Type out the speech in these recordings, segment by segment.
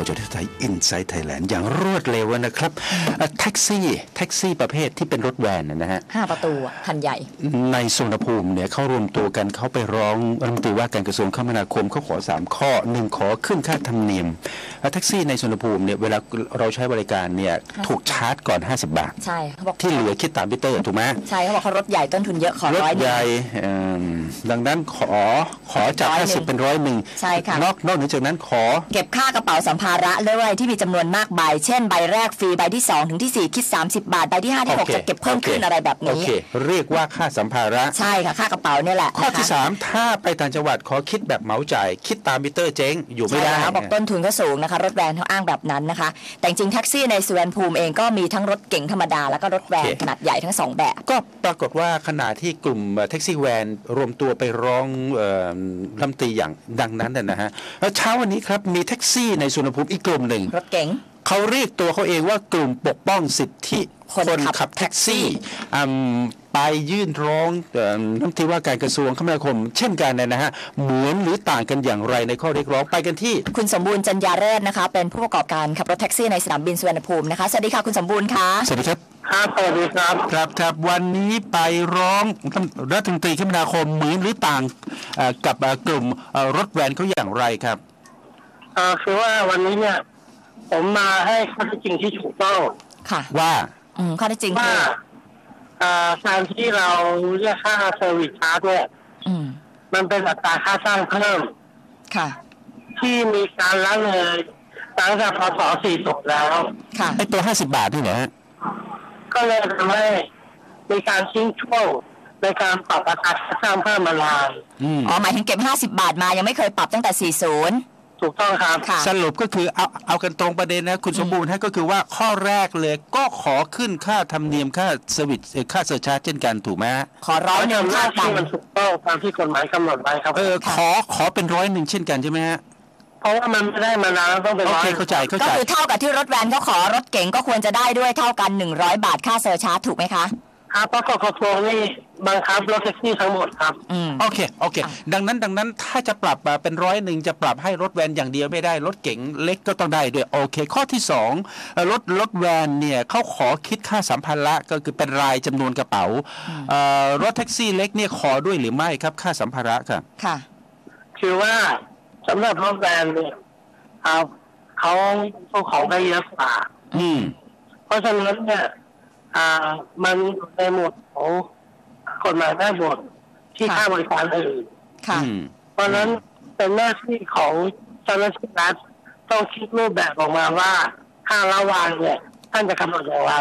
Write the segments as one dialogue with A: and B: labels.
A: จทไทยอินไซต์ไทยแลนด์อย่างรวดเร็วนะครับแท็กซี่ประเภทที่เป็นรถแวนนะฮะ
B: 5 ประตูคันใหญ่
A: ในสุวรรณภูมิเนี่ยเขารวมตัวกันเขาไปร้องรัฐมนตรีว่าการกระทรวงคมนาคมเขาขอ3ข้อ1ขอขึ้นค่าธรรมเนียมแท็กซี่ในสุวรรณภูมิเนี่ยเวลาเราใช้บริการเนี่ยถูกชาร์จก่อน50 บาท
B: ใช่เขาบอก
A: ที่เหลือคิดตามมิเตอร์ถูกไหม
B: ใช่เขาบอกเขารถใหญ่ต้นทุนเยอะขอ
A: รถใหญ่ดังนั้นขอจาก50เป็น100
B: ใช่ค่ะ
A: นอกเหนือจากนั้นขอ
B: เก็บค่ากระเป๋าสัมภาระด้วยที่มีจำนวนมากใบเช่นใบแรกฟรีใบที่2ถึงที่4คิด30 บาทใบที่5ที่6จะเก็บเพิ่มขึ้นอะไรแบบนี้
A: เรียกว่าค่าสัมภาระ
B: ใช่ค่ะค่ากระเป๋าเนี่ยแหละ
A: ข้อที่3ถ้าไปต่างจังหวัดขอคิดแบบเหมาจ่ายคิดตามมิเตอร์เจ๊งอยู่ไม่ได้
B: บอกต้นทุนก็สูงนะคะรถแวนเขาอ้างแบบนั้นนะคะแต่จริงแท็กซี่ในสุวรรณภูมิเองก็มีทั้งรถเก๋งธรรมดาแล้วก็รถแวนขนาดใหญ่ทั้ง2แบบ
A: ก็ปรากฏว่าขณะที่กลุ่มแท็กซี่แวนรวมตัวไปร้องรัฐมนตรีอย่างดังนั้นนะฮะแล้วเช้าวันนี้ครับมีแท็กซี่ในสุวรรณภูมิอีกกลุ่มหนึ่ง
B: รถเก๋ง
A: เขาเรียกตัวเขาเองว่ากลุ่มปกป้องสิทธิคนขับแท็กซี่ไปยื่นร้องรัฐมนตรีว่าการกระทรวงคมนาคมเช่นกันนะฮะเหมือนหรือต่างกันอย่างไรในข้อเรียกร้องไปกันที่
B: คุณสมบูรณ์จันยาเรศนะคะเป็นผู้ประกอบการขับรถแท็กซี่ในสนามบินสุวรรณภูมินะคะสวัสดีค่ะคุณสมบูรณ์ค่ะ
A: สวัสดีครับ
C: ครับสวัสดีครับ
A: ครับวันนี้ไปร้องรัฐมนตรีคมนาคมเหมือนหรือต่างกับกลุ่มรถแวนเขาอย่างไรครับ
C: คือว่าวันนี้เนี่ยผมมาให้ข้อเท็จจริงที่ถูกต้อง
B: ค่ะ
A: ว่า
B: ข้อเท็จจริง
C: ว่าการที่เราเรียกค่าเซอร์วิสชาร์จเนี่ยมันเป็นอัตราค่าสร้างเพิ่ม
B: ค่ะ
C: ที่มีการละเลยตั้งแต่พศ40แล้ว
B: ค่ะ
A: ไอ้ตัว50 บาทนี่เหรอฮะ
C: ก็เลยทำให้มีการทิ้งช่วงในการปรับอัตราค่าสร้างเพิ่มมานาน
B: หมายถึงเก็บ50 บาทมายังไม่เคยปรับตั้งแต่40
C: ถูกต้องครับ
A: สรุปก็คือเอากันตรงประเด็นนะคุณสมบูรณ์ก็คือว่าข้อแรกเลยก็ขอขึ้นค่าธรรมเนียมค่าเซอร์วิสค่าเซอร์ชาร์จเช่นกันถูกไหม
B: ขอ100ค่า
C: ที่มันถูกต้องตามที่กฎหมายกำหนดไว้ครับ
A: ขอเป็น100เช่นกันใช่ไหมฮะ
C: เพราะว่ามันไม่ได้มานานแล้วต้องเป็น
A: 100เข้าใจ
B: ก็คือเท่ากับที่รถแวนเขาขอรถเก๋งก็ควรจะได้ด้วยเท่ากัน100 บาทค่าเซอร์ชาร์จถูกไหมคะ
C: ครับเพราะกทมนี่บังคับรถแท็กซี่ทั้งหมดครับ
A: โอเคดังนั้นถ้าจะปรับเป็น100จะปรับให้รถแวนอย่างเดียวไม่ได้รถเก๋งเล็กก็ต้องได้ด้วยโอเคข้อที่2รถแวนเนี่ยเขาขอคิดค่าสัมภาระก็คือเป็นรายจำนวนกระเป๋ารถแท็กซี่เล็กเนี่ยขอด้วยหรือไม่ครับค่าสัมภาระครับ
B: ค่ะ
C: คือว่าสำหรับรถแวนเนี่ยเขาของได้เยอะกว่าเพราะฉะนั้นเนี่ยมันในหมวดของกฎหมายแม่บทที่ค่าบริการอื่นเพราะนั้นเป็นหน้าที่ของเจ้าหน้าที่รัฐต้องคิดรูปแบบออกมาว่าค่าระวางเนี่ยท่านจะกำหนดอย่างไร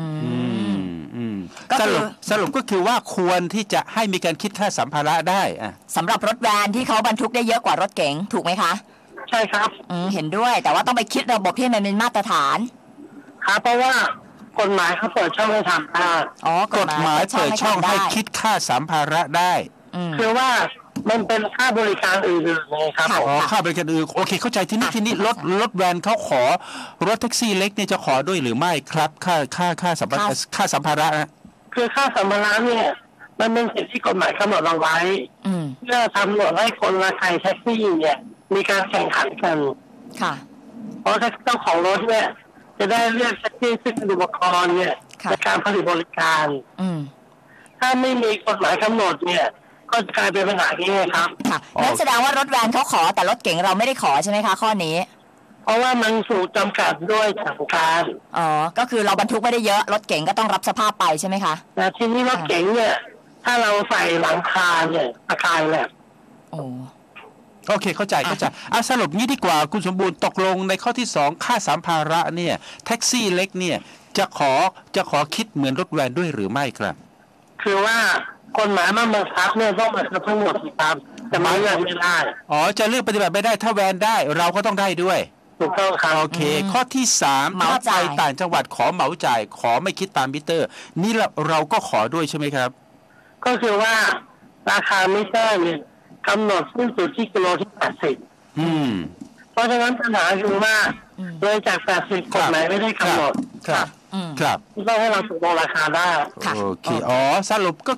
A: สรุปก็คือว่าควรที่จะให้มีการคิดค่าสัมภาระได้
B: สำหรับรถแวนที่เขาบรรทุกได้เยอะกว่ารถเก๋งถูกไหมคะ
C: ใช่ครับ
B: เห็นด้วยแต่ว่าต้องไปคิดระบบที่มันเป็นมาตรฐาน
C: ครับเพราะว่ากฎหมายเขาเปิดช่องให้ทำได้
A: กฎหมายเปิดช่องให้คิดค่าสัมภาระได้
C: คือว่ามันเป็นค่าบริการอื่นๆไงครับ
A: ค่าบริการอื่นโอเคเข้าใจที่นี่รถแวนเขาขอรถแท็กซี่เล็กเนี่ยจะขอด้วยหรือไม่ครับค่าสัมภาระนะ
C: คือค่าสัมภาระเนี่ยมันเป็นสิ่งที่กฎหมายกำหนดเอาไว้เพื่อทำหนวดให้คนละใครแท็กซี่เนี่ยมีการแข่งขันกันเพราะเจ้าของรถเนี่ยจะได้เลือกแท็กซี่ซึ่งเป็นอุปกรณ์เนี่ยในการผลิตบริการถ้าไม่มีกฎหมายกำหนดเนี่ยก็กลายเป็นปัญหานี้ครับ
B: นั่นแสดงว่ารถแวนเขาขอแต่รถเก๋งเราไม่ได้ขอใช่ไหมคะข้อนี้
C: เพราะว่ามันถูกจำกัดด้วยทางการ
B: ก็คือเราบรรทุกไม่ได้เยอะรถเก๋งก็ต้องรับสภาพไปใช่ไหมคะ
C: แต่ทีนี้รถเก๋งเนี่ยถ้าเราใส่หลังคาเนี่ยอาคารแหละ
A: โอเคเข้าใจสรุปงี้ดีกว่าคุณสมบูรณ์ตกลงในข้อที่2ค่าสัมภาระเนี่ยแท็กซี่เล็กเนี่ยจะขอคิดเหมือนรถแวนด้วยหรือไม่ครับ
C: คือว่ากฎหมายมันบังคับเนี่ยต้องมาทั้งหมดครับจะมาเลือกไม่ได้
A: จะเลือกปฏิบัติไม่ได้ถ้าแวนได้เราก็ต้องได้ด้วย
C: ถูกต้องครับ
A: โอเคข้อที่3ถ้าไปต่างจังหวัดขอเหมาจ่ายขอไม่คิดตามมิเตอร์นี่เราก็ขอด้วยใช่ไหมครับ
C: ก็คือว่าราคามิเตอร์เนี่ยกำหนดสิ้นสุดที่กิโลที่80เพราะฉะนั้นปัญหาคือว่าเลยจาก80กฎหมายไม่ได้กำหนด
A: ครับ
C: ต้องให้เราตกลงราคาได้
A: โอเคสรุปก็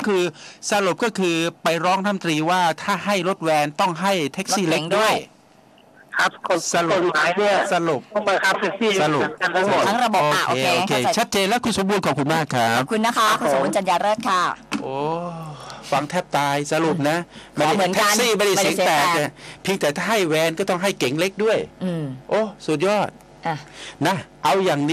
A: คือไปร้องรัฐมนตรีว่าถ้าให้รถแวนต้องให้แท็กซี่เล็กด้วย
C: คครับกฎ
A: สรุป
C: หมายเนี่ย
A: สรุป
C: ต้องบังคับแท็กซี่
A: สรุป
C: กันทั้งหมด
B: ทั้งระบบโอเค
A: โอเค
B: เข้าใจ
A: ชัดเจนแล้วคุณสมบูรณ์ขอบคุณมากครั
B: ข
A: บ
B: อบคุณนะคะคุณสมบูรณ์จันยาเลิศค่ะ
A: โอ้ฟังแทบตายสรุปนะ
B: ขอเหมือนกัน
A: แท็กซี่ไม่ได้เสียงแตก
B: ไม่ได้เสียงแตก
A: เนี่ยเพียงแต่ถ้าให้แวนก็ต้องให้เก๋งเล็กด้วย
B: อืม
A: โอ้สุดยอด
B: อ่ะ
A: นะ เอาอย่าง